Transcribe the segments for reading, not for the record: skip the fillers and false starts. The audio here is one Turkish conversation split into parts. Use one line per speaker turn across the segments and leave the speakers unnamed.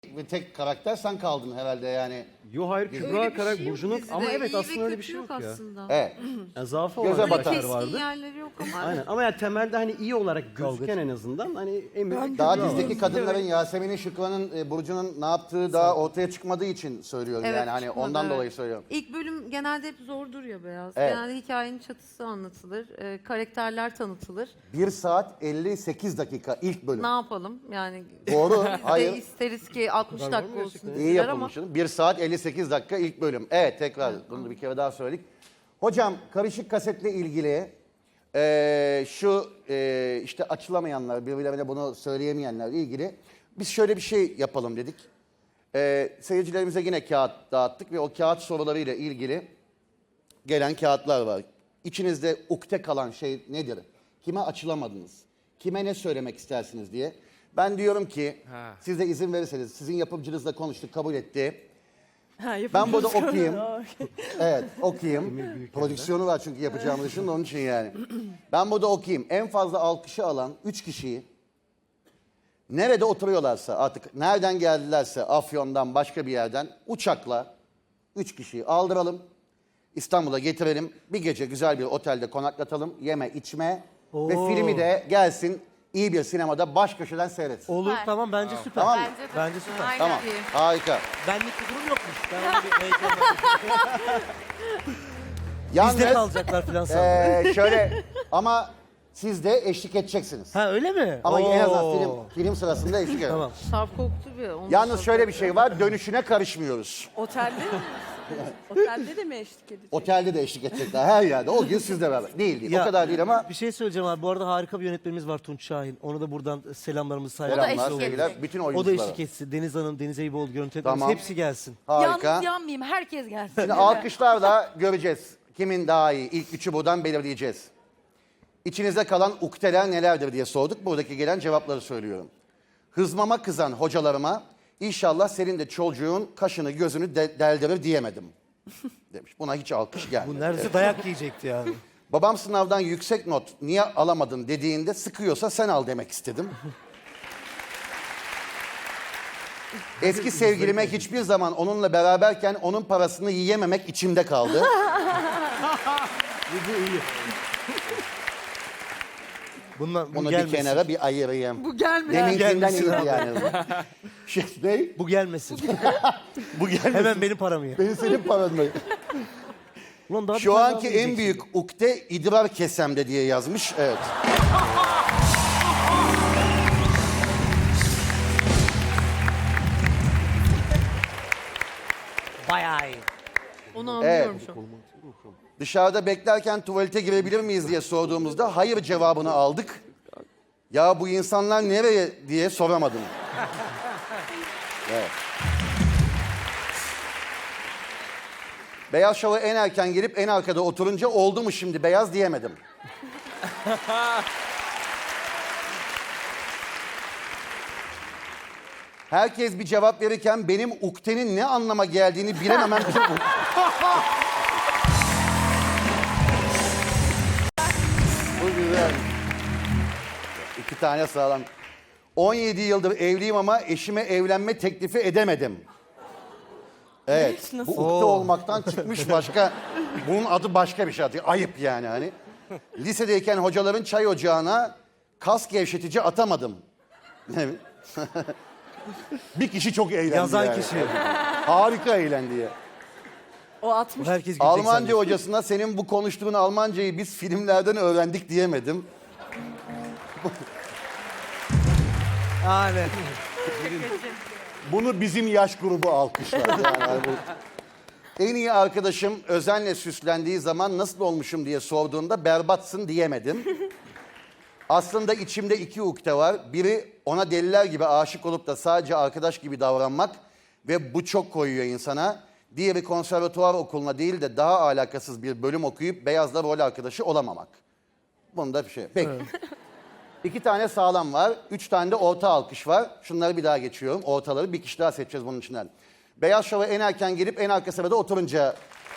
ve tek karakter sen kaldın herhalde yani.
Yo hayır Kübra
Öyle bir
karakter
şey yok
Burcu'nun
dizide.
ama evet
İyi ve
aslında öyle bir
kötü
şey yok ya.
aslında.
Evet.
Yani zaafı
Göze
olan
batar.
karakter
Keskin
vardı.
yerleri yok ama.
Aynen ama yani temelde hani iyi olarak gözüken en azından hani en büyük
Daha
Kübra var.
dizdeki kadınların Yasemin'in, Şükran'ın, Burcu'nun ne yaptığı daha ortaya çıkmadığı için söylüyorum
Evet,
yani hani
çıkmadı,
ondan
evet.
dolayı söylüyorum.
İlk bölüm genelde hep zordur ya Beyaz.
Evet.
Genelde hikayenin çatısı anlatılır, karakterler tanıtılır.
1 saat 58 dakika ilk bölüm.
Ne yapalım yani?
Doğru,
Biz de
hayır.
isteriz ki 60
var mı
dakika olsun
gerçekten?
İyi
diziler ama.
yapılmışsın. 1 saat 58 dakika ilk bölüm. Evet tekrar bunu da bir kere daha söyledik. Hocam karışık kasetle ilgili işte açılamayanlar, birbirlerine bunu söyleyemeyenlerle ilgili biz şöyle bir şey yapalım dedik. Seyircilerimize yine kağıt dağıttık ve o kağıt sorularıyla ilgili gelen kağıtlar var. İçinizde ukde kalan şey nedir? Kime açılamadınız? Kime ne söylemek istersiniz diye. Ben diyorum ki siz de izin verirseniz sizin yapımcınızla konuştuk, kabul etti. Ben burada okuyayım. Evet, okuyayım. Prodüksiyonu var çünkü yapacağımız işin onun için yani. Ben burada okuyayım. En fazla alkışı alan 3 kişiyi nerede oturuyorlarsa artık nereden geldilerse Afyon'dan başka bir yerden uçakla 3 kişiyi aldıralım. İstanbul'a getirelim. Bir gece güzel bir otelde konaklatalım. Yeme, içme ve filmi de gelsin iyi bir sinemada baş köşeden seyretsin.
Olur
Süper.
tamam bence süper.
Tamam mı?
Bence de.
Bence süper.
Aynen
Tamam,
iyi.
harika.
Benlik bir durum yokmuş. Ben onu bir heyecanla.
Yalnız
Bizde kalacaklar falan sandım.
şöyle ama siz de eşlik edeceksiniz.
Ha öyle mi?
Ama en azından
Oo.
film sırasında eşlik edin.
Tamam.
Sarp koktu bir. onu
Yalnız
da-
şöyle bir şey var, dönüşüne karışmıyoruz.
Otelde mi? Otelde de mi eşlik edecek?
Otelde de eşlik edecekler her yerde. O gün sizle beraber. Değil.
Ya,
O kadar değil ama
Bir şey söyleyeceğim abi. Bu arada harika bir yönetmenimiz var Tunç Şahin. Onu da buradan selamlarımızı
selamlar,
eşlik
sevgiler.
edecek.
Bütün
O da
oyunculara.
eşlik etsin. Deniz Hanım, Deniz Eyüboğlu yönetmenimiz.
Tamam.
Hepsi gelsin.
Harika.
Yalnız yanmayayım. Herkes gelsin.
Şimdi alkışlarla göreceğiz. Kimin daha iyi? İlk üçü buradan belirleyeceğiz. İçinizde kalan ukdeler nelerdir diye sorduk. Buradaki gelen cevapları söylüyorum. Hızmama kızan hocalarıma inşallah senin de çocuğun kaşını gözünü deldirir diyemedim. Demiş. Buna hiç alkış gelmedi.
Bu neredeyse dayak yiyecekti yani.
Babam sınavdan yüksek not niye alamadın dediğinde sıkıyorsa sen al demek istedim. Eski sevgilime hiçbir zaman onunla beraberken onun parasını yiyememek içimde kaldı.
Bu iyi. Bu
Bunu bir
gelmesin.
kenara bir ayırayım.
Bu gelmedi.
Deminkinden
Gelmesin
iyiydi
abi.
yani. Ne?
Bu gelmesin.
Bu gelmesin.
Hemen benim paramı ye.
Benim senin paran mı?
Ulan daha bir
Şu
tane
anki
daha
en
yiyeceksin.
büyük ukde idrar kesemde diye yazmış. Evet.
Bayağı iyi.
Onu anlıyorum
Evet.
şu an.
Dışarıda beklerken tuvalete girebilir miyiz diye sorduğumuzda hayır cevabını aldık. Ya bu insanlar nereye diye soramadım. Evet. Beyaz Şov'a en erken gelip en arkada oturunca oldu mu şimdi beyaz diyemedim. Herkes bir cevap verirken benim uktenin ne anlama geldiğini bilememem çok... Bu güzel. İki tane sağlam. 17 yıldır evliyim ama eşime evlenme teklifi edemedim. Evet. Bu ukde olmaktan çıkmış başka. Bunun adı başka bir şey. Ayıp yani hani. Lisedeyken hocaların çay ocağına kas gevşetici atamadım. Bir kişi çok eğlendi.
Yazan
yani.
kişi.
Harika eğlendi ya.
O 60.
Herkes gülecek
Almanca
zannediyor.
hocasına senin bu konuştuğun Almancayı biz filmlerden öğrendik diyemedim.
Aynen.
Bunu bizim yaş grubu alkışlar. Yani en iyi arkadaşım özenle süslendiği zaman nasıl olmuşum diye sorduğunda berbatsın diyemedim. Aslında içimde iki ukde var. Biri ona deliler gibi aşık olup da sadece arkadaş gibi davranmak ve bu çok koyuyor insana. Diğeri konservatuvar okuluna değil de daha alakasız bir bölüm okuyup Beyaz'la rol arkadaşı olamamak. Bunda bir şey. Peki. İki tane sağlam var. 3 tane de orta alkış var. Şunları bir daha geçiyorum. Ortaları bir kişi daha seçeceğiz bunun içinden. Beyaz Şov'a en erken gelip en arka sırada oturunca...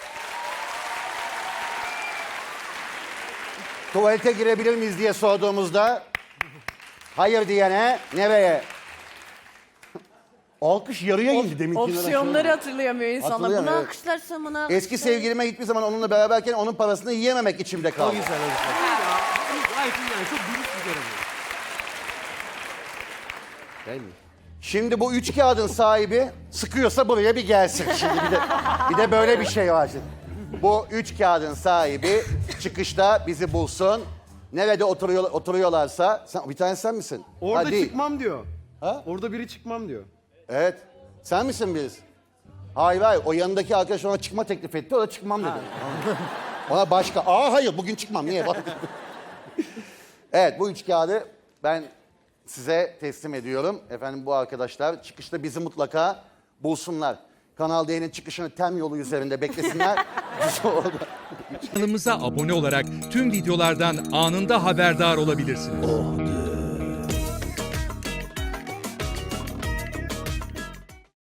Tuvalete girebilir miyiz diye sorduğumuzda... Hayır diyene nereye? Alkış yarıya indi demin.
Opsiyonları hatırlayamıyor insanlar.
Hatırlayamıyor,
Bunu
evet.
alkışlarsam bunu
Eski sevgilime hiçbir zaman onunla beraberken onun parasını yiyememek içimde
O
kaldı.
güzel, o güzel.
Gayet iyi yani çok dürüst bir görev. Değil mi?
Şimdi bu 3 kağıdın sahibi sıkıyorsa buraya bir gelsin. Şimdi bir de böyle bir şey var şimdi. Bu 3 kağıdın sahibi çıkışta bizi bulsun. Nerede oturuyorlarsa, bir tane sen misin?
Orada
Ha, değil.
çıkmam diyor.
Ha?
Orada biri çıkmam diyor.
Evet. Sen misin biz? Hayır hayır. O yanındaki arkadaş ona çıkma teklif etti. O da çıkmam dedi. Ona başka. Hayır bugün çıkmam. Niye? Evet bu 3 kağıdı ben size teslim ediyorum. Efendim bu arkadaşlar çıkışta bizi mutlaka bulsunlar. Kanal D'nin çıkışını Tem yolu üzerinde beklesinler. Biz orada.
Kanalımıza abone olarak tüm videolardan anında haberdar olabilirsiniz.